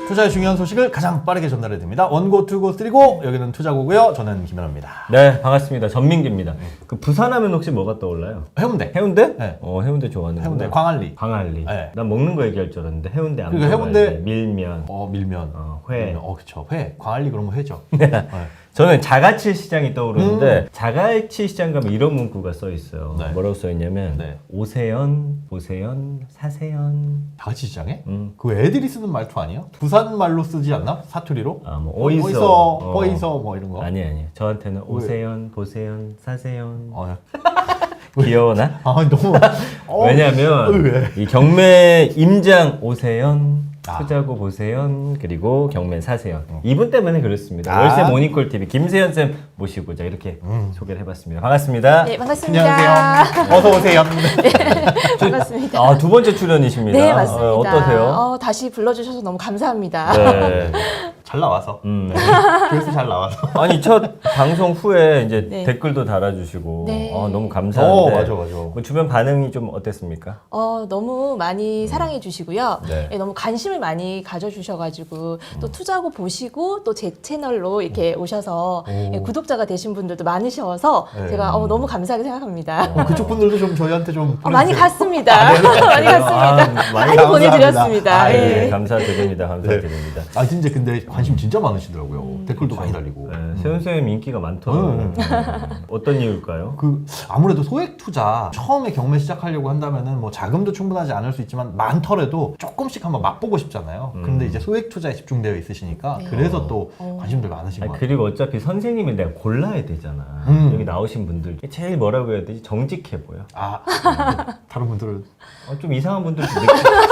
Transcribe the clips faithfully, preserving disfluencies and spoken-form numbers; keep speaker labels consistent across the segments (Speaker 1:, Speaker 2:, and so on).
Speaker 1: 투자의 중요한 소식을 가장 빠르게 전달해 드립니다. 원고, 투고, 쓰리고 여기는 투자고고요. 저는 김현아입니다.
Speaker 2: 네, 반갑습니다. 전민기입니다. 그 부산하면 혹시 뭐가 떠올라요?
Speaker 1: 해운대.
Speaker 2: 해운대?
Speaker 1: 네.
Speaker 2: 어, 해운대 좋아하는
Speaker 1: 해운대 광안리.
Speaker 2: 광안리.
Speaker 1: 네.
Speaker 2: 난 먹는 거 얘기할 줄 알았는데 해운대 안
Speaker 1: 그리고
Speaker 2: 먹어야지.
Speaker 1: 해운대-
Speaker 2: 밀면.
Speaker 1: 어 밀면.
Speaker 2: 어, 회.
Speaker 1: 밀면. 어 그쵸. 회. 광안리 그러면 회죠. 네.
Speaker 2: 저는 자갈치 시장이 떠오르는데
Speaker 1: 음.
Speaker 2: 자갈치 시장 가면 이런 문구가 써 있어요.
Speaker 1: 네.
Speaker 2: 뭐라고 써 있냐면
Speaker 1: 네.
Speaker 2: 오세연, 보세연, 사세연.
Speaker 1: 다같이 시장에?
Speaker 2: 음.
Speaker 1: 그거 애들이 쓰는 말투 아니에요? 부산 말로 쓰지 않나? 사투리로?
Speaker 2: 아, 뭐 어이서,
Speaker 1: 어이서,
Speaker 2: 어.
Speaker 1: 어이서 뭐 이런 거.
Speaker 2: 아니 아니. 저한테는 오세연, 보세연, 사세연.
Speaker 1: 어.
Speaker 2: 귀여워나?
Speaker 1: 아 너무. 어.
Speaker 2: 왜냐면
Speaker 1: 왜?
Speaker 2: 이 경매 임장 오세연,
Speaker 1: 아.
Speaker 2: 투자고 보세연, 그리고 경매 사세연. 이분 때문에 그렇습니다.
Speaker 1: 아.
Speaker 2: 월세 모닝콜 티비 김세연 쌤 모시고자 이렇게
Speaker 1: 음.
Speaker 2: 소개를 해봤습니다. 반갑습니다.
Speaker 3: 네, 반갑습니다.
Speaker 1: 안녕하세요. 어서 오세요.
Speaker 3: 반갑습니다.
Speaker 2: 아, 두 번째 출연이십니다.
Speaker 3: 네, 맞습니다.
Speaker 2: 어, 어떠세요?
Speaker 3: 어, 다시 불러주셔서 너무 감사합니다.
Speaker 2: 네.
Speaker 1: 잘 나와서.
Speaker 2: 음.
Speaker 1: 그래서 잘 나와서.
Speaker 2: 아니 첫 방송 후에 이제
Speaker 3: 네.
Speaker 2: 댓글도 달아주시고
Speaker 3: 네.
Speaker 2: 아, 너무 감사한데.
Speaker 1: 어 맞아 맞아.
Speaker 2: 뭐 주변 반응이 좀 어땠습니까?
Speaker 3: 어, 너무 많이 사랑해 주시고요.
Speaker 2: 네.
Speaker 3: 예, 너무 관심을 많이 가져주셔가지고 또 투자고 보시고 또 제 채널로 이렇게 오셔서 예, 구독자가 되신 분들도 많으셔서
Speaker 1: 네.
Speaker 3: 제가 어, 너무 감사하게 생각합니다.
Speaker 1: 어, 그쪽 분들도 좀 저희한테 좀
Speaker 3: 어, 많이
Speaker 1: 보내주세요.
Speaker 3: 갔습니다. 많이 갔습니다.
Speaker 2: 아,
Speaker 3: 많이
Speaker 1: 감사합니다.
Speaker 3: 보내드렸습니다.
Speaker 1: 아,
Speaker 3: 예.
Speaker 2: 네, 감사드립니다. 감사드립니다.
Speaker 1: 아 진짜 근데 관심 진짜 많으시더라고요. 댓글도 많이 달리고.
Speaker 2: 네, 세훈 쌤 인기가 많더라고요.
Speaker 1: 음.
Speaker 2: 음. 어떤 이유일까요?
Speaker 1: 그 아무래도 소액 투자 처음에 경매 시작하려고 한다면은 뭐 자금도 충분하지 않을 수 있지만 많더라도 조금씩 한번 맛보고 싶잖아요.
Speaker 2: 음.
Speaker 1: 근데 이제 소액 투자에 집중되어 있으시니까
Speaker 3: 네.
Speaker 1: 그래서 또
Speaker 3: 어.
Speaker 1: 관심들 많으신
Speaker 2: 아니,
Speaker 1: 것 같아요.
Speaker 2: 그리고 어차피 선생님이 내가 골라야 되잖아.
Speaker 1: 음.
Speaker 2: 여기 나오신 분들 제일 뭐라고 해야 되지? 정직해 보여.
Speaker 1: 아 다른 분들은
Speaker 2: 어, 좀 이상한 분들도 느껴.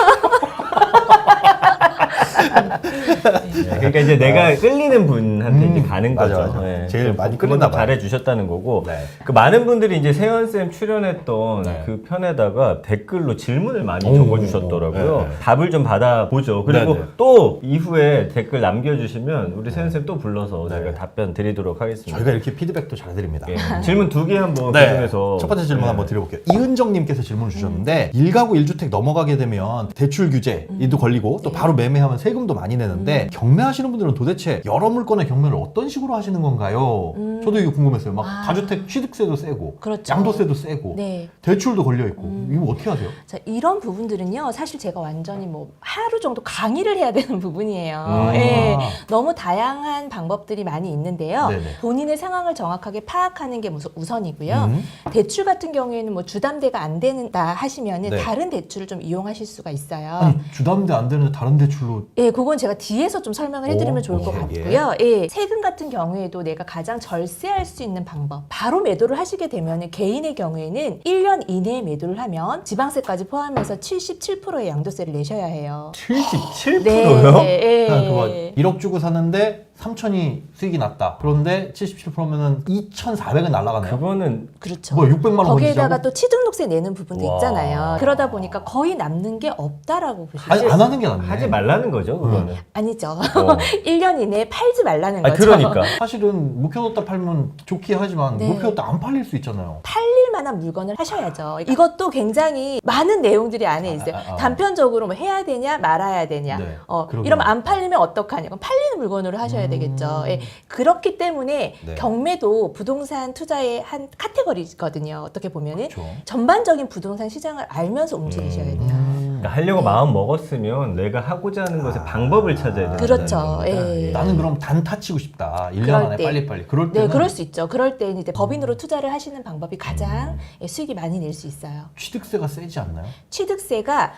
Speaker 2: 네, 그러니까 이제 내가 끌리는 분한테
Speaker 1: 음,
Speaker 2: 이제 가는
Speaker 1: 맞아,
Speaker 2: 거죠.
Speaker 1: 맞아.
Speaker 2: 네.
Speaker 1: 제일
Speaker 2: 그래서
Speaker 1: 많이
Speaker 2: 그건
Speaker 1: 끌리나 봐요.
Speaker 2: 잘해 주셨다는 거고.
Speaker 1: 네.
Speaker 2: 그 많은 분들이 이제 세현 쌤 출연했던
Speaker 1: 네.
Speaker 2: 그 편에다가 댓글로 질문을 많이
Speaker 1: 오,
Speaker 2: 적어주셨더라고요.
Speaker 1: 네, 네.
Speaker 2: 답을 좀 받아보죠. 그리고
Speaker 1: 네, 네.
Speaker 2: 또 이후에 댓글 남겨주시면 우리 세현 쌤 또 불러서
Speaker 1: 네.
Speaker 2: 제가 답변 드리도록 하겠습니다.
Speaker 1: 저희가 이렇게 피드백도 잘 드립니다.
Speaker 2: 예. 질문 두 개 한번
Speaker 1: 네.
Speaker 2: 그중에서
Speaker 1: 첫 번째 질문
Speaker 2: 네.
Speaker 1: 한번 드려볼게요. 이은정님께서 질문 주셨는데 일가구 일주택 넘어가게 되면 대출 규제도 걸리고 또 바로 매매하면 세금도 많이 내는데 경매하시는 분들은 도대체 여러 물건의 경매를 어떤 식으로 하시는 건가요?
Speaker 3: 음.
Speaker 1: 저도 이거 궁금했어요. 막
Speaker 3: 아.
Speaker 1: 다주택 취득세도 세고
Speaker 3: 그렇죠.
Speaker 1: 양도세도 세고
Speaker 3: 네.
Speaker 1: 대출도 걸려 있고 이거 어떻게 하세요?
Speaker 3: 자, 이런 부분들은요, 사실 제가 완전히 뭐 하루 정도 강의를 해야 되는 부분이에요.
Speaker 1: 음.
Speaker 3: 예, 너무 다양한 방법들이 많이 있는데요.
Speaker 1: 네네.
Speaker 3: 본인의 상황을 정확하게 파악하는 게 우선- 우선이고요.
Speaker 1: 음.
Speaker 3: 대출 같은 경우에는 뭐 주담대가 안 된다 하시면은
Speaker 1: 네.
Speaker 3: 다른 대출을 좀 이용하실 수가 있어요.
Speaker 1: 아니 주담대 안 되는데 다른 대출로
Speaker 3: 예, 그건 제가 뒤에서 좀 설명을 해드리면
Speaker 1: 오,
Speaker 3: 좋을 것
Speaker 1: 오케이,
Speaker 3: 같고요. 예, 세금 같은 경우에도 내가 가장 절세할 수 있는 방법. 바로 매도를 하시게 되면 개인의 경우에는 일 년 이내에 매도를 하면 지방세까지 포함해서 칠십칠 퍼센트의 양도세를 내셔야 해요.
Speaker 2: 칠십칠 퍼센트요?
Speaker 3: 네,
Speaker 1: 그냥
Speaker 3: 예.
Speaker 1: 그거 일억 주고 샀는데 삼천이 수익이 났다. 그런데 칠십칠 퍼센트면은 이천사백은 날라가네요.
Speaker 2: 그거는
Speaker 3: 그렇죠.
Speaker 1: 뭐 육백만 원
Speaker 3: 거기에다가
Speaker 1: 건지자고?
Speaker 3: 또 취등록세 내는 부분도
Speaker 2: 와.
Speaker 3: 있잖아요. 그러다 보니까 거의 남는 게 없다라고 보시죠.
Speaker 1: 아니 안 하는 게 낫네.
Speaker 2: 하지 말라는 거죠, 그거는.
Speaker 3: 아니죠.
Speaker 2: 어.
Speaker 3: 일 년 이내에 팔지 말라는
Speaker 2: 아,
Speaker 3: 거죠.
Speaker 2: 그러니까.
Speaker 1: 사실은 묵혀뒀다 팔면 좋긴 하지만
Speaker 3: 네.
Speaker 1: 묵혀뒀다 안 팔릴 수 있잖아요.
Speaker 3: 팔릴 만한 물건을 하셔야죠. 이것도 굉장히 많은 내용들이 안에 있어요.
Speaker 1: 아, 아, 아.
Speaker 3: 단편적으로 뭐 해야 되냐 말아야 되냐.
Speaker 1: 네,
Speaker 3: 어,
Speaker 1: 그러긴
Speaker 3: 이러면
Speaker 1: 하죠.
Speaker 3: 안 팔리면 어떡하냐. 그럼 팔리는 물건으로 하셔야
Speaker 1: 음.
Speaker 3: 되겠죠. 예, 그렇기 때문에
Speaker 1: 네.
Speaker 3: 경매도 부동산 투자의 한 카테고리거든요. 어떻게 보면은
Speaker 1: 그렇죠.
Speaker 3: 전반적인 부동산 시장을 알면서 움직이셔야 돼요.
Speaker 2: 그러니까 하려고 마음 먹었으면 내가 하고자 하는 것의 방법을 찾아야 된다.
Speaker 3: 그렇죠. 예.
Speaker 1: 나는 그럼 단타 치고 싶다. 일 년
Speaker 3: 그럴
Speaker 1: 안에
Speaker 3: 때.
Speaker 1: 빨리빨리. 그럴 때는
Speaker 3: 네, 그럴 수 있죠. 그럴 때는 이제 법인으로 투자를 하시는 방법이 가장 예, 수익이 많이 낼 수 있어요.
Speaker 1: 취득세가 세지 않나요?
Speaker 3: 취득세가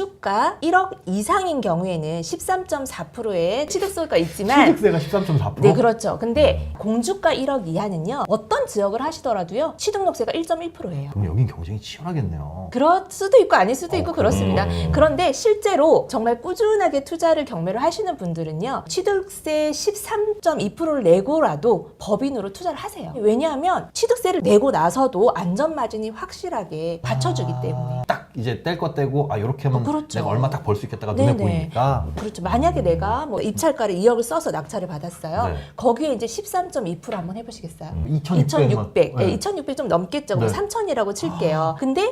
Speaker 3: 공주가 일억 이상인 경우에는 십삼 점 사 퍼센트의 취득세가 있지만
Speaker 1: 취득세가 십삼 점 사 퍼센트?
Speaker 3: 네, 그렇죠. 근데 공주가 일억 이하는요, 어떤 지역을 하시더라도요, 취등록세가 일 점 일 퍼센트예요.
Speaker 1: 그럼 여긴 경쟁이 치열하겠네요.
Speaker 3: 그럴 수도 있고 아닐 수도 있고
Speaker 1: 어,
Speaker 3: 그렇습니다.
Speaker 2: 음.
Speaker 3: 그런데 실제로 정말 꾸준하게 투자를 경매를 하시는 분들은요, 취득세 십삼 점 이 퍼센트를 내고라도 법인으로 투자를 하세요. 왜냐하면 취득세를 내고 나서도 안전마진이 확실하게 받쳐주기
Speaker 1: 아,
Speaker 3: 때문에.
Speaker 1: 딱 이제 뗄 거 떼고 아 이렇게 하면
Speaker 3: 어, 그렇죠.
Speaker 1: 내가 얼마 딱 벌 수 있겠다가 눈에
Speaker 3: 네네.
Speaker 1: 보이니까.
Speaker 3: 그렇죠. 만약에 내가 뭐 입찰가를 이억을 써서 낙찰을 받았어요.
Speaker 1: 네.
Speaker 3: 거기에 이제 십삼 점 이 퍼센트 한번 해보시겠어요?
Speaker 1: 이천육백 만.
Speaker 3: 이천육백.
Speaker 1: 네.
Speaker 3: 네. 이천육백 좀 넘겠죠. 뭐
Speaker 1: 네.
Speaker 3: 삼천이라고 칠게요. 근데 시세가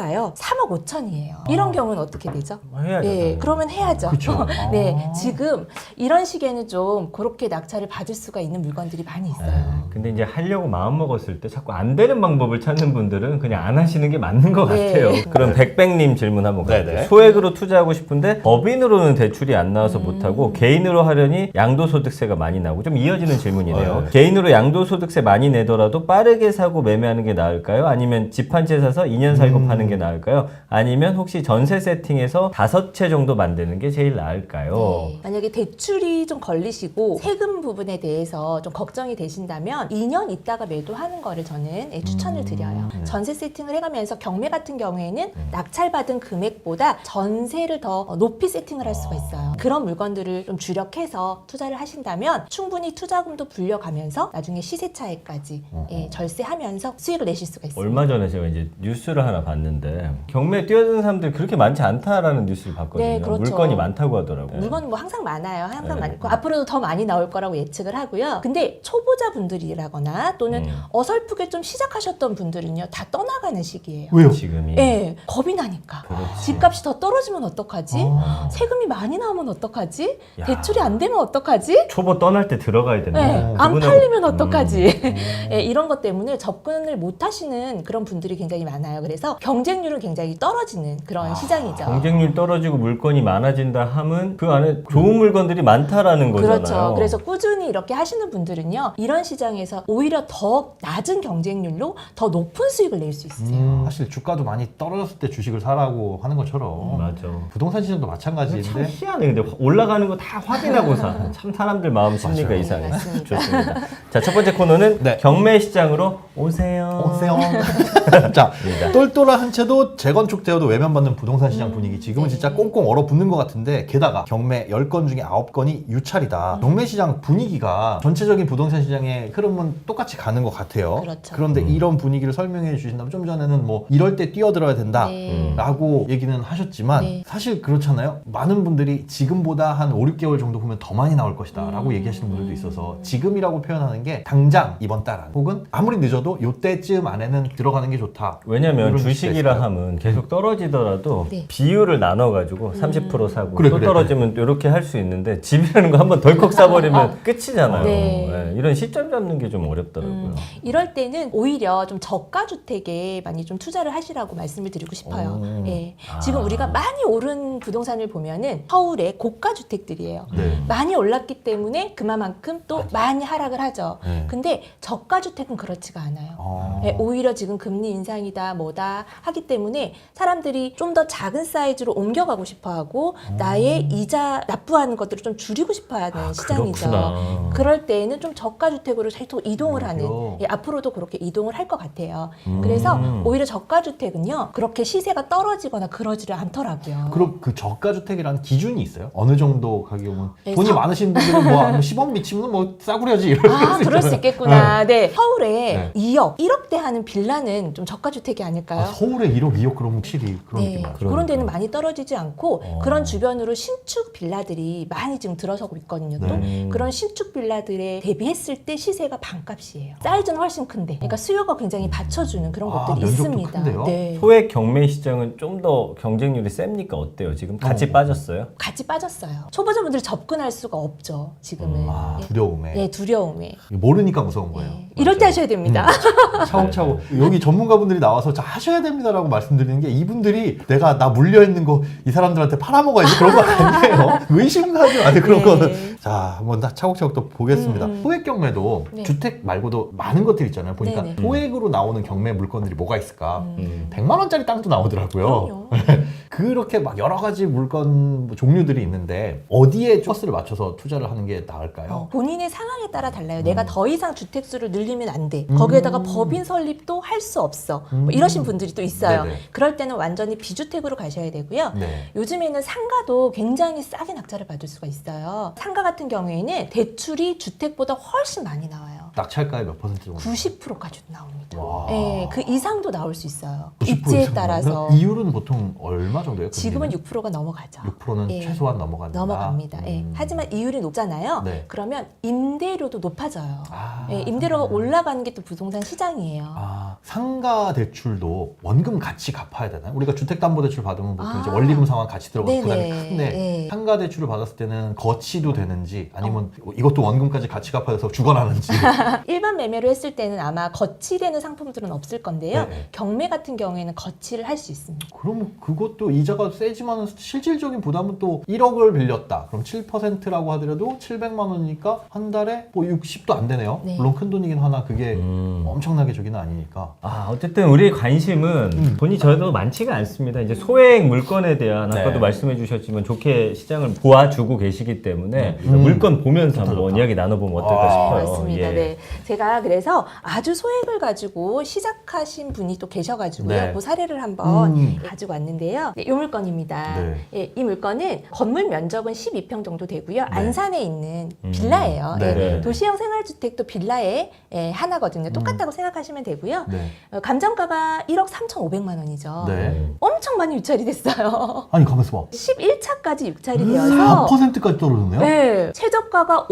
Speaker 3: 시세가요 삼억 오천이에요. 이런 경우는 어떻게 되죠?
Speaker 2: 해야죠.
Speaker 3: 네,
Speaker 2: 당연히.
Speaker 3: 그러면 해야죠.
Speaker 1: 그쵸.
Speaker 3: 네,
Speaker 1: 아.
Speaker 3: 지금 이런 시기에는 좀 그렇게 낙찰을 받을 수가 있는 물건들이 많이 있어요.
Speaker 2: 네. 근데 이제 하려고 마음 먹었을 때 자꾸 안 되는 방법을 찾는 분들은 그냥 안 하시는 게 맞는 것
Speaker 3: 네.
Speaker 2: 같아요. 그럼 백백님 질문 한번
Speaker 1: 네네.
Speaker 2: 갈게요. 소액으로 투자하고 싶은데 법인으로는 대출이 안 나와서
Speaker 3: 음.
Speaker 2: 못하고 개인으로 하려니 양도소득세가 많이 나고 좀 이어지는 질문이네요.
Speaker 1: 네.
Speaker 2: 개인으로 양도소득세 많이 내더라도 빠르게 사고 매매하는 게 나을까요? 아니면 집 한 채 사서 이 년 살고
Speaker 1: 음.
Speaker 2: 파는 게 나을까요? 아니면 혹시 전세 세팅해서 다섯 채 정도 만드는 게 제일 나을까요?
Speaker 3: 네. 만약에 대출이 좀 걸리시고 세금 부분에 대해서 좀 걱정이 되신다면 이 년 있다가 매도하는 거를 저는 예, 추천을 드려요.
Speaker 2: 음.
Speaker 3: 전세 세팅을 해가면서 경매 같은 경우에는 낙찰받은 금액보다 전세를 더 높이 세팅을 할 수가 있어요. 그런 물건들을 좀 주력해서 투자를 하신다면 충분히 투자금도 불려가면서 나중에 시세 차익까지 예, 절세하면서 수익을 내실 수가 있습니다.
Speaker 2: 얼마 전에 제가 이제 뉴스를 하나 봤는데 경매에 뛰어드는 사람들이 그렇게 많지 않다라는 뉴스를 봤거든요.
Speaker 3: 네, 그렇죠.
Speaker 2: 물건이 많다고 하더라고요.
Speaker 3: 물건은 뭐 항상 많아요. 항상
Speaker 2: 네.
Speaker 3: 많고 앞으로도 더 많이 나올 거라고 예측을 하고요. 근데 초보자분들이라거나 또는
Speaker 2: 음.
Speaker 3: 어설프게 좀 시작하셨던 분들은요 다 떠나가는 시기예요.
Speaker 1: 왜요?
Speaker 2: 지금이.
Speaker 3: 예, 겁이 나니까.
Speaker 2: 그렇지.
Speaker 3: 집값이 더 떨어지면 어떡하지?
Speaker 1: 아.
Speaker 3: 세금이 많이 나오면 어떡하지?
Speaker 2: 야.
Speaker 3: 대출이 안 되면 어떡하지?
Speaker 2: 초보 떠날 때 들어가야 되는
Speaker 3: 네,
Speaker 2: 거예요.
Speaker 3: 안
Speaker 2: 그분하고-
Speaker 3: 팔리면 어떡하지?
Speaker 2: 음.
Speaker 3: 예, 이런 것 때문에 접근을 못 하시는 그런 분들이 굉장히 많아요. 그래서 경쟁률은 굉장히 떨어지는 그런 시장이죠.
Speaker 2: 경쟁률 떨어지고 물건이 많아진다 함은 그 안에 좋은 물건들이 많다라는 거잖아요.
Speaker 3: 그렇죠. 그래서 꾸준히 이렇게 하시는 분들은요, 이런 시장에서 오히려 더 낮은 경쟁률로 더 높은 수익을 낼 수 있어요.
Speaker 1: 음, 사실 주가도 많이 떨어졌을 때 주식을 사라고 하는 것처럼
Speaker 2: 맞아.
Speaker 1: 부동산 시장도
Speaker 2: 참
Speaker 1: 마찬가지인데
Speaker 2: 희한해. 근데 올라가는 거 다 확인하고 사. 참 사람들 마음 심리가
Speaker 1: 맞아요.
Speaker 2: 이상해.
Speaker 3: 네, 맞습니다.
Speaker 2: 좋습니다. 자, 첫 번째 코너는
Speaker 1: 네.
Speaker 2: 경매 시장으로 오세요.
Speaker 1: 오세요. 자, 똘똘한 한 채도 재건축되어도 외면받는 부동산 시장 분위기 지금은
Speaker 3: 네.
Speaker 1: 진짜 꽁꽁 얼어붙는 것 같은데 게다가 경매 열 건 중에 아홉 건이 유찰이다. 경매 시장 분위기가 전체적인 부동산 시장의 흐름은 똑같이 가는 것 같아요.
Speaker 3: 그렇죠.
Speaker 1: 그런데 이런 분위기를 설명해 주신다면 좀 전에는 뭐 이럴 때 뛰어들어야 된다.
Speaker 3: 네.
Speaker 1: 라고 얘기는 하셨지만
Speaker 3: 네.
Speaker 1: 사실 그렇잖아요. 많은 분들이 지금보다 한 오, 육 개월 정도 보면 더 많이 나올 것이다 라고
Speaker 3: 음.
Speaker 1: 얘기하시는 분들도 있어서 지금이라고 표현하는 게 당장 이번 달 안, 혹은 아무리 늦어도 요때쯤 안에는 들어가는 게 좋다.
Speaker 2: 왜냐면
Speaker 1: 이런
Speaker 2: 주식이라
Speaker 1: 시대였어요.
Speaker 2: 하면 계속 떨어지더라도
Speaker 3: 네.
Speaker 2: 비율을 나눠가지고 삼십 퍼센트 사고
Speaker 1: 그래,
Speaker 2: 또
Speaker 1: 그래,
Speaker 2: 떨어지면 이렇게 할 수 있는데 집이라는 거 한번 덜컥 사버리면 끝이잖아요.
Speaker 3: 네.
Speaker 2: 네, 이런 시점 잡는 게 좀 어렵더라고요.
Speaker 3: 음, 이럴 때는 오히려 좀 저가 주택에 많이 좀 투자를 하시라고 말씀을 드리고 싶어요.
Speaker 1: 오.
Speaker 3: 예.
Speaker 2: 아.
Speaker 3: 지금 우리가 많이 오른 부동산을 보면은 서울의 고가 주택들이에요.
Speaker 1: 네.
Speaker 3: 많이 올랐기 때문에 그만큼 또 많이 하락을 하죠.
Speaker 1: 네.
Speaker 3: 근데 저가 주택은 그렇지가 않아요.
Speaker 1: 어.
Speaker 3: 예, 오히려 지금 금리 인상이다 뭐다 하기 때문에 사람들이 좀 더 작은 사이즈로 옮겨가고 싶어하고 나의 이자 납부하는 것들을 좀 줄이고 싶어하는 시장이죠.
Speaker 2: 그렇구나.
Speaker 3: 그럴 때에는 좀 저가 주택으로 계속 이동을 하는
Speaker 1: 오히려.
Speaker 3: 예, 앞으로도 그렇게 이동을 할 것 같아요.
Speaker 2: 음.
Speaker 3: 그래서 오히려 저가 주택은요 그렇게 시세가 떨어지거나 그러지를 않더라고요.
Speaker 1: 그럼 그 저가 주택이라는 기준이 있어요? 어느 정도 가격은
Speaker 3: 네,
Speaker 1: 돈이
Speaker 3: 사-
Speaker 1: 많으신 분들은 뭐 십 억 미치면 뭐 싸구려지 이렇게
Speaker 3: 아,
Speaker 1: 할수
Speaker 3: 그럴 수
Speaker 1: 있잖아요.
Speaker 3: 있겠구나. 네. 서울에
Speaker 1: 네.
Speaker 3: 이억, 일억대 하는 빌라는 좀 저가 주택이 아닐까요?
Speaker 1: 아, 서울에 일억, 이억 그러면 확실히 그런
Speaker 3: 네,
Speaker 1: 느낌 나죠.
Speaker 3: 그런 데는 많이 떨어지지 않고
Speaker 2: 어.
Speaker 3: 그런 주변으로 신축 빌라들이 많이 지금 들어서고 있거든요. 또
Speaker 1: 네.
Speaker 3: 그런 신축 빌라들에 대비했을 때 시세가 반값이에요. 사이즈는 훨씬 큰데, 그러니까 수요가 굉장히 받쳐주는 그런
Speaker 1: 아,
Speaker 3: 것들이
Speaker 1: 면적도
Speaker 3: 있습니다.
Speaker 1: 큰데요?
Speaker 3: 네.
Speaker 2: 소액 경매 시장은 좀 더 경쟁률이 셉니까? 어때요? 지금 같이
Speaker 1: 어.
Speaker 2: 빠졌어요?
Speaker 3: 같이 빠졌어요. 초보자분들이 접근할 수가 없죠. 지금은.
Speaker 1: 아,
Speaker 3: 네.
Speaker 1: 두려움에
Speaker 3: 네, 두려움에.
Speaker 1: 모르니까 무서운 거예요.
Speaker 3: 네. 이럴 때 하셔야 됩니다.
Speaker 1: 차곡차곡 여기 전문가분들이 나와서 자 하셔야 됩니다라고 말씀드리는 게 이분들이 내가 나 물려 있는 거 이 사람들한테 팔아먹어야지 그런 거 아니에요. 의심하지 마세요 그런
Speaker 3: 네.
Speaker 1: 거는. 자 한번 다 차곡차곡 또 보겠습니다.
Speaker 3: 음.
Speaker 1: 소액 경매도
Speaker 3: 네.
Speaker 1: 주택 말고도 많은 것들이 있잖아요. 보니까
Speaker 3: 네네.
Speaker 1: 소액으로 나오는 경매 물건들이 뭐가 있을까?
Speaker 2: 음.
Speaker 1: 백만 원짜리 땅도 나오더라고요.
Speaker 3: 그럼요.
Speaker 1: 그렇게 막 여러 가지 물건 뭐 종류들이 있는데 어디에 코스를 맞춰서 투자를 하는 게 나을까요?
Speaker 3: 어, 본인의 상황에 따라 달라요. 내가 더 이상 주택 수를 늘리면 안 돼.
Speaker 1: 음.
Speaker 3: 거기에다가 법인 설립도 할 수 없어. 뭐
Speaker 1: 음.
Speaker 3: 이러신 분들이 또 있어요.
Speaker 1: 네네.
Speaker 3: 그럴 때는 완전히 비주택으로 가셔야 되고요.
Speaker 1: 네.
Speaker 3: 요즘에는 상가도 굉장히 싸게 낙찰을 받을 수가 있어요. 상가 같은 경우에는 대출이 주택보다 훨씬 많이 나와요.
Speaker 1: 낙찰가의 몇 퍼센트 정도?
Speaker 3: 구십 퍼센트까지도 나옵니다.
Speaker 1: 와.
Speaker 3: 예, 그 이상도 나올 수 있어요.
Speaker 1: 구십 퍼센트
Speaker 3: 입지에
Speaker 1: 이상
Speaker 3: 따라서.
Speaker 1: 나오면 이율은 보통 얼마 정도예요?
Speaker 3: 지금은
Speaker 1: 금리는?
Speaker 3: 육 퍼센트가 넘어가죠.
Speaker 1: 육 퍼센트는
Speaker 3: 예.
Speaker 1: 최소한 넘어간다.
Speaker 3: 넘어갑니다. 예.
Speaker 1: 음.
Speaker 3: 하지만 이율이 높잖아요.
Speaker 1: 네.
Speaker 3: 그러면 임대료도 높아져요.
Speaker 1: 아,
Speaker 3: 예, 임대료가 올라가는 게 또 부동산 시장이에요.
Speaker 1: 아, 상가 대출도 원금 같이 갚아야 되나요? 우리가 주택담보대출 받으면 보통
Speaker 3: 아.
Speaker 1: 이제 원리금 상환 같이 들어가서
Speaker 3: 네네.
Speaker 1: 부담이 큰데
Speaker 3: 네.
Speaker 1: 상가 대출을 받았을 때는 거치도 되는지 아니면 이것도 원금까지 같이 갚아야 돼서 죽어나는지.
Speaker 3: 일반 매매로 했을 때는 아마 거치되는 상품들은 없을 건데요.
Speaker 1: 네.
Speaker 3: 경매 같은 경우에는 거치를 할 수 있습니다.
Speaker 1: 그럼 그것도 이자가 세지만 실질적인 부담은 또 일억을 빌렸다. 그럼 칠 퍼센트라고 하더라도 칠백만 원이니까 한 달에 뭐 육십도 안 되네요.
Speaker 3: 네.
Speaker 1: 물론 큰 돈이긴 하나 그게
Speaker 2: 음.
Speaker 1: 엄청나게 저기는 아니니까.
Speaker 2: 아, 어쨌든 우리의 관심은
Speaker 1: 음.
Speaker 2: 돈이 저도 많지가 않습니다. 이제 소액 물건에 대한
Speaker 1: 네.
Speaker 2: 아까도 말씀해 주셨지만 좋게 시장을 보아주고 계시기 때문에
Speaker 1: 음.
Speaker 2: 물건 보면서
Speaker 1: 좋다,
Speaker 2: 한번
Speaker 1: 좋다.
Speaker 2: 이야기 나눠보면 어떨까
Speaker 1: 아,
Speaker 2: 싶어요.
Speaker 3: 맞습니다.
Speaker 2: 예.
Speaker 3: 네. 제가 그래서 아주 소액을 가지고 시작하신 분이 또 계셔가지고요.
Speaker 1: 네.
Speaker 3: 그 사례를 한번
Speaker 1: 음.
Speaker 3: 가지고 왔는데요. 네, 이 물건입니다.
Speaker 1: 네.
Speaker 3: 예, 이 물건은 건물 면적은 십이 평 정도 되고요. 안산에 있는
Speaker 2: 음.
Speaker 3: 빌라예요.
Speaker 1: 네,
Speaker 3: 예,
Speaker 1: 네.
Speaker 3: 도시형 생활주택도 빌라의 예, 하나거든요. 똑같다고 생각하시면 되고요.
Speaker 1: 네.
Speaker 3: 어, 감정가가 일억 삼천오백만 원이죠.
Speaker 1: 네.
Speaker 3: 엄청 많이 유찰이 됐어요.
Speaker 1: 아니 가만있어 봐.
Speaker 3: 십일 차까지 유찰이
Speaker 1: 사
Speaker 3: 되어서
Speaker 1: 퍼센트까지 떨어졌네요?
Speaker 3: 네, 최저가가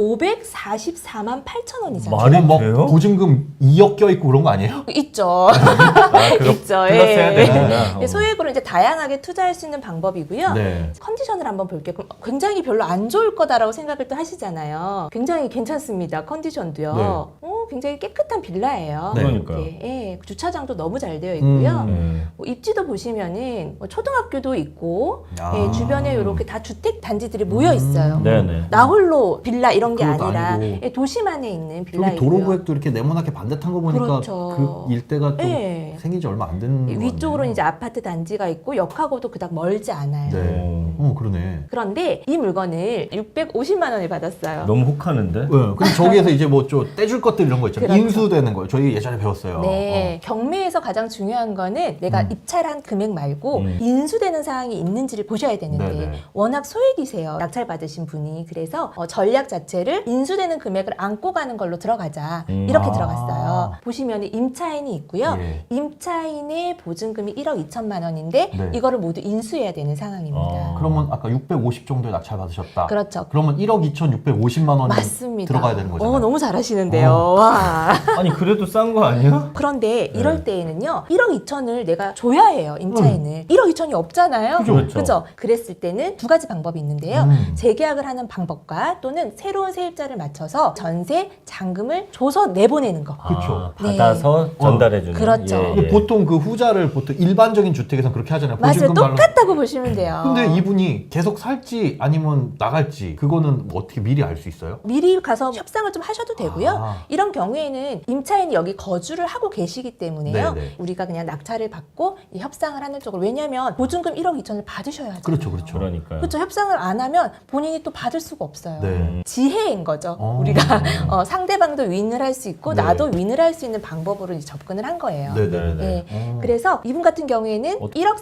Speaker 3: 오백사십사만 팔천 원이잖아요.
Speaker 2: 말이
Speaker 1: 지금 막
Speaker 2: 돼요?
Speaker 1: 보증금 이억 껴있고 그런 거 아니에요?
Speaker 3: 있죠.
Speaker 2: 아, 그거
Speaker 3: 있죠.
Speaker 2: 플러스
Speaker 3: 예.
Speaker 2: 해야 되는구나.
Speaker 3: 예, 소액으로 이제 다양하게 투자할 수 있는 방법이고요.
Speaker 1: 네.
Speaker 3: 컨디션을 한번 볼게요. 그럼 굉장히 별로 안 좋을 거다라고 생각을 또 하시잖아요. 굉장히 괜찮습니다. 컨디션도요.
Speaker 1: 네.
Speaker 3: 어, 굉장히 깨끗한 빌라예요.
Speaker 1: 네.
Speaker 2: 그러니까요.
Speaker 3: 이렇게, 예, 주차장도 너무 잘 되어 있고요.
Speaker 1: 음.
Speaker 2: 예.
Speaker 3: 뭐 입지도 보시면은 뭐 초등학교도 있고
Speaker 1: 아.
Speaker 3: 예, 주변에 이렇게 다 주택 단지들이 모여 있어요.
Speaker 1: 음.
Speaker 2: 네네.
Speaker 3: 나홀로 빌라 이런 게
Speaker 1: 그것도
Speaker 3: 아니라
Speaker 1: 아니고.
Speaker 3: 예, 도심 안에 있는
Speaker 1: 저기
Speaker 3: 빌라이고요.
Speaker 1: 도로구획도 이렇게 네모나게 반듯한 거 보니까
Speaker 3: 그렇죠.
Speaker 1: 그 일대가 좀
Speaker 3: 예.
Speaker 1: 생긴 지 얼마 안 된 거
Speaker 3: 위쪽으로는 이제 아파트 단지가 있고 역하고도 그닥 멀지 않아요.
Speaker 1: 네. 어 그러네.
Speaker 3: 그런데 이 물건을 육백오십만 원에 받았어요.
Speaker 2: 너무 혹하는데?
Speaker 1: 네. 근데 저기에서 이제 뭐 좀 떼줄 것들 이런 거 있잖아요.
Speaker 3: 그렇죠.
Speaker 1: 인수되는 거예요. 저희 예전에 배웠어요.
Speaker 3: 네, 경매에서 가장 중요한 거는 내가
Speaker 1: 음.
Speaker 3: 입찰한 금액 말고
Speaker 2: 음.
Speaker 3: 인수되는 사항이 있는지를 보셔야 되는데
Speaker 1: 네네.
Speaker 3: 워낙 소액이세요. 낙찰 받으신 분이. 그래서 어, 전략 자체를 인수되는 금액을 안고 가는 걸로 들어가자.
Speaker 2: 음.
Speaker 3: 이렇게
Speaker 1: 아.
Speaker 3: 들어갔어요. 보시면 임차인이 있고요.
Speaker 1: 예.
Speaker 3: 임차인의 보증금이 일억 이천만 원인데
Speaker 1: 네.
Speaker 3: 이거를 모두 인수해야 되는 상황입니다.
Speaker 2: 아.
Speaker 1: 그러면 아까 육백오십 정도에 낙찰 받으셨다.
Speaker 3: 그렇죠.
Speaker 1: 그러면 일억 이천육백오십만 원이
Speaker 3: 맞습니다.
Speaker 1: 들어가야 되는 거잖아요.
Speaker 3: 어, 너무 잘하시는데요.
Speaker 1: 어.
Speaker 3: 와.
Speaker 2: 아니 그래도 싼 거 아니야?
Speaker 3: 그런데 이럴
Speaker 2: 네.
Speaker 3: 때에는요, 일억 이천을 내가 줘야 해요, 임차인을. 일억 이천이 없잖아요.
Speaker 2: 그죠, 그죠.
Speaker 3: 그죠? 그랬을 때는 두 가지 방법이 있는데요.
Speaker 1: 음.
Speaker 3: 재계약을 하는 방법과 또는 새로운 세입자를 맞춰서 전세, 잔금을 줘서 내보내는 거.
Speaker 1: 그쵸.
Speaker 2: 아, 받아서
Speaker 1: 네.
Speaker 2: 전달해주는.
Speaker 3: 그렇죠.
Speaker 2: 예,
Speaker 1: 근데
Speaker 2: 예.
Speaker 1: 보통 그 후자를 보통 일반적인 주택에서는 그렇게 하잖아요.
Speaker 3: 맞아요.
Speaker 1: 보증금 발로-
Speaker 3: 똑같다고 보시면 돼요.
Speaker 1: 근데 이분이 계속 살지 아니면 나갈지 그거는 뭐 어떻게 미리 알 수 있어요?
Speaker 3: 미리 가서 협상을 좀 하셔도 되고요.
Speaker 1: 아.
Speaker 3: 이런 경우에는 임차인이 여기 거주를 하고 계시기 때문에요.
Speaker 1: 네네.
Speaker 3: 우리가 그냥 낙찰을 받고 이 협상을 하는 쪽으로. 왜냐하면 보증금 일억 이천을 받으셔야죠.
Speaker 1: 그렇죠, 그렇죠.
Speaker 2: 그러니까요.
Speaker 3: 그렇죠. 협상을 안 하면 본인이 또 받을 수가 없어요.
Speaker 1: 네.
Speaker 3: 지혜인 거죠.
Speaker 1: 어.
Speaker 3: 우리가 어, 상대방도 윈을 할 수 있고
Speaker 1: 네.
Speaker 3: 나도 윈을 할 수 있는 방법으로 이제 접근을 한 거예요.
Speaker 1: 네네네.
Speaker 3: 예.
Speaker 1: 어.
Speaker 3: 그래서 이분 같은 경우에는
Speaker 2: 어.
Speaker 3: 일억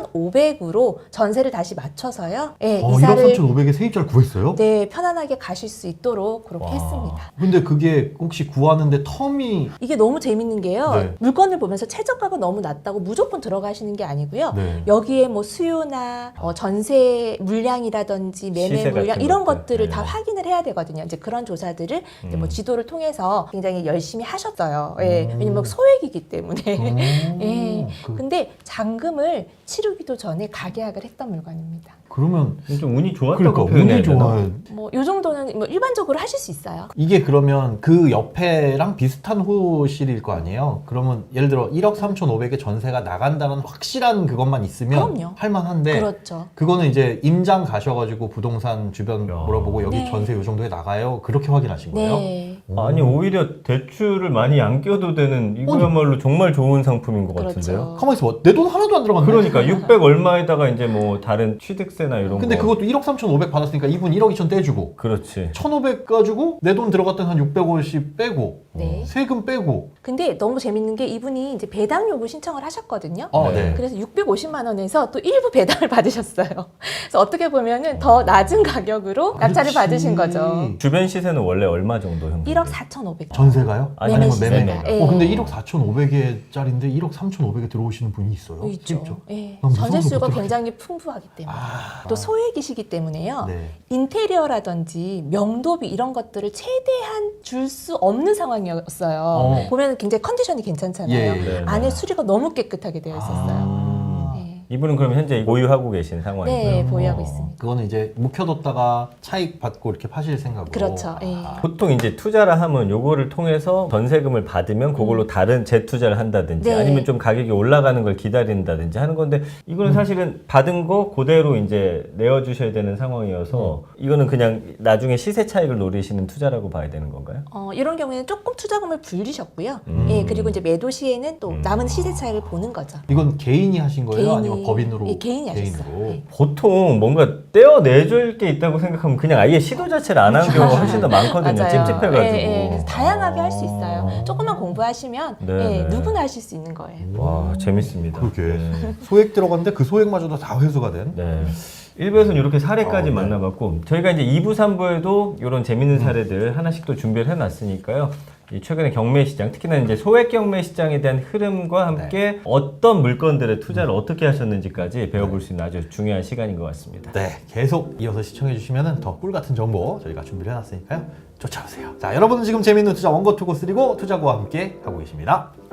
Speaker 3: 삼천오백으로 전세를 다시 맞춰서요. 예,
Speaker 1: 어, 일억
Speaker 3: 이사를
Speaker 1: 삼천오백에 세입자를 구했어요?
Speaker 3: 네, 편안하게 가실 수 있도록 그렇게
Speaker 2: 와.
Speaker 3: 했습니다.
Speaker 1: 근데 그게 혹시 구하는데 텀이
Speaker 3: 이게 너무 재밌는 게요.
Speaker 1: 네.
Speaker 3: 물건을 보면서 최저가가 너무 낮다고 무조건 들어가시는 게 아니고요.
Speaker 1: 네.
Speaker 3: 여기에 뭐 수요나 어, 전세 물량이라든지 매매
Speaker 2: 시세
Speaker 3: 물량
Speaker 2: 같은
Speaker 3: 이런
Speaker 2: 것들.
Speaker 3: 것들을
Speaker 2: 네.
Speaker 3: 다 확인을 해야 되거든요. 이제 그런 조사들을 이제 뭐
Speaker 2: 음.
Speaker 3: 지도를 통해서 굉장히 열심히 하셨어요. 예.
Speaker 1: 음.
Speaker 3: 왜냐면 소액이기 때문에.
Speaker 1: 어,
Speaker 3: 예.
Speaker 1: 그,
Speaker 3: 근데 잔금을 치르기도 전에 가계약을 했던 물건입니다.
Speaker 1: 그러면
Speaker 2: 좀 운이 좋았다고
Speaker 1: 그러니까
Speaker 2: 표현해야
Speaker 1: 운이
Speaker 2: 되나?
Speaker 1: 좋아요.
Speaker 3: 뭐 요 정도는 뭐 일반적으로 하실 수 있어요.
Speaker 1: 이게 그러면 그 옆에랑 비슷한 호실일 거 아니에요? 그러면 예를 들어 일억 삼천오백에 전세가 나간다는 확실한 그것만 있으면
Speaker 3: 그럼요.
Speaker 1: 할만한데
Speaker 3: 그렇죠.
Speaker 1: 그거는 이제 임장 가셔가지고 부동산 주변
Speaker 2: 야.
Speaker 1: 물어보고 여기
Speaker 3: 네.
Speaker 1: 전세 요 정도에 나가요? 그렇게 확인하신 거예요?
Speaker 3: 네.
Speaker 1: 오.
Speaker 2: 아니 오히려 대출을 많이 안 껴도 되는 이거야말로 정말 좋은 상품인 것
Speaker 3: 그렇죠.
Speaker 2: 같은데요.
Speaker 1: 가만히 있어. 내 돈 하나도 안 들어갔네.
Speaker 2: 그러니까 육백 얼마에다가 이제 뭐 다른 취득세나 이런
Speaker 1: 근데
Speaker 2: 거.
Speaker 1: 그것도 일억 삼천오백 받았으니까 이분 일억 이천 떼주고
Speaker 2: 그렇지.
Speaker 1: 천오백 가지고 내 돈 들어갔던 한 육백오십 빼고
Speaker 3: 네.
Speaker 1: 세금 빼고.
Speaker 3: 근데 너무 재밌는 게 이분이 이제 배당 요구 신청을 하셨거든요.
Speaker 1: 어,
Speaker 2: 네.
Speaker 1: 네.
Speaker 3: 그래서 육백오십만 원에서 또 일부 배당을 받으셨어요. 그래서 어떻게 보면은 더 낮은 가격으로 낙찰을
Speaker 1: 그렇지.
Speaker 3: 받으신 거죠.
Speaker 2: 주변 시세는 원래 얼마 정도 현금?
Speaker 3: 일억 사천오백.
Speaker 1: 전세가요?
Speaker 2: 아니,
Speaker 3: 매매
Speaker 1: 아니면 매매?
Speaker 3: 시세가. 예.
Speaker 1: 어, 근데 일억 사천오백에짜리인데 일억 삼천오백에 들어오시는 분이 있어요?
Speaker 3: 있죠.
Speaker 1: 있죠.
Speaker 3: 예.
Speaker 1: 난 무서워서
Speaker 3: 전세 수요가
Speaker 1: 못 들어가겠-
Speaker 3: 굉장히 풍부하기 때문에.
Speaker 1: 아.
Speaker 3: 또 소액이시기 때문에요.
Speaker 1: 네.
Speaker 3: 인테리어라든지 명도비 이런 것들을 최대한 줄 수 없는 상황이었어요.
Speaker 1: 어.
Speaker 3: 보면 굉장히 컨디션이 괜찮잖아요.
Speaker 1: 예, 예.
Speaker 2: 네,
Speaker 3: 안에
Speaker 2: 네.
Speaker 3: 수리가 너무 깨끗하게 되어 있었어요.
Speaker 1: 아.
Speaker 3: 네.
Speaker 2: 이분은 그럼 현재 보유하고 계신 상황이고요.
Speaker 3: 네, 보유하고
Speaker 1: 어,
Speaker 3: 있습니다.
Speaker 1: 그거는 이제 묵혀뒀다가 차익 받고 이렇게 파실 생각으로.
Speaker 3: 그렇죠. 예.
Speaker 2: 보통 이제 투자라 하면 요거를 통해서 전세금을 받으면 그걸로 다른 재투자를 한다든지
Speaker 3: 네.
Speaker 2: 아니면 좀 가격이 올라가는 걸 기다린다든지 하는 건데 이거는 사실은 받은 거 그대로 이제 내어주셔야 되는 상황이어서 이거는 그냥 나중에 시세 차익을 노리시는 투자라고 봐야 되는 건가요?
Speaker 3: 어, 이런 경우에는 조금 투자금을 불리셨고요.
Speaker 2: 음.
Speaker 3: 예, 그리고 이제 매도 시에는 또 남은 시세 차익을 보는 거죠.
Speaker 1: 이건 개인이 하신 거예요?
Speaker 3: 개인이-
Speaker 1: 아니면 법인으로?
Speaker 3: 예, 개인이 하셨어요.
Speaker 1: 개인으로?
Speaker 3: 네.
Speaker 2: 보통 뭔가 떼어내줄 게 있다고 생각하면 그냥 아예 시도 자체를 안 하는 경우가 훨씬 더 많거든요.
Speaker 3: 맞아요.
Speaker 2: 찝찝해가지고.
Speaker 3: 예, 예. 그래서 다양하게 할 수 있어요. 조금만 공부하시면
Speaker 2: 네,
Speaker 3: 예,
Speaker 2: 네.
Speaker 3: 누구나 하실 수 있는 거예요.
Speaker 2: 와 재밌습니다.
Speaker 1: 그렇게.
Speaker 2: 네.
Speaker 1: 소액 들어갔는데 그 소액마저도 다 회수가 된?
Speaker 2: 네. 일 부에서는 이렇게 사례까지
Speaker 1: 어, 네.
Speaker 2: 만나봤고 저희가 이제 이 부, 삼 부에도 이런 재밌는 사례들 하나씩 또 준비를 해놨으니까요. 이 최근에 경매 시장, 특히나 이제 소액 경매 시장에 대한 흐름과 함께 어떤 물건들의 투자를 어떻게 하셨는지까지 배워볼 수 있는 아주 중요한 시간인 것 같습니다.
Speaker 1: 네, 계속 이어서 시청해주시면 더 꿀 같은 정보 저희가 준비를 해놨으니까요. 쫓아오세요. 자, 여러분은 지금 재밌는 투자 원고 투고 쓰리고 투자고와 함께 하고 계십니다.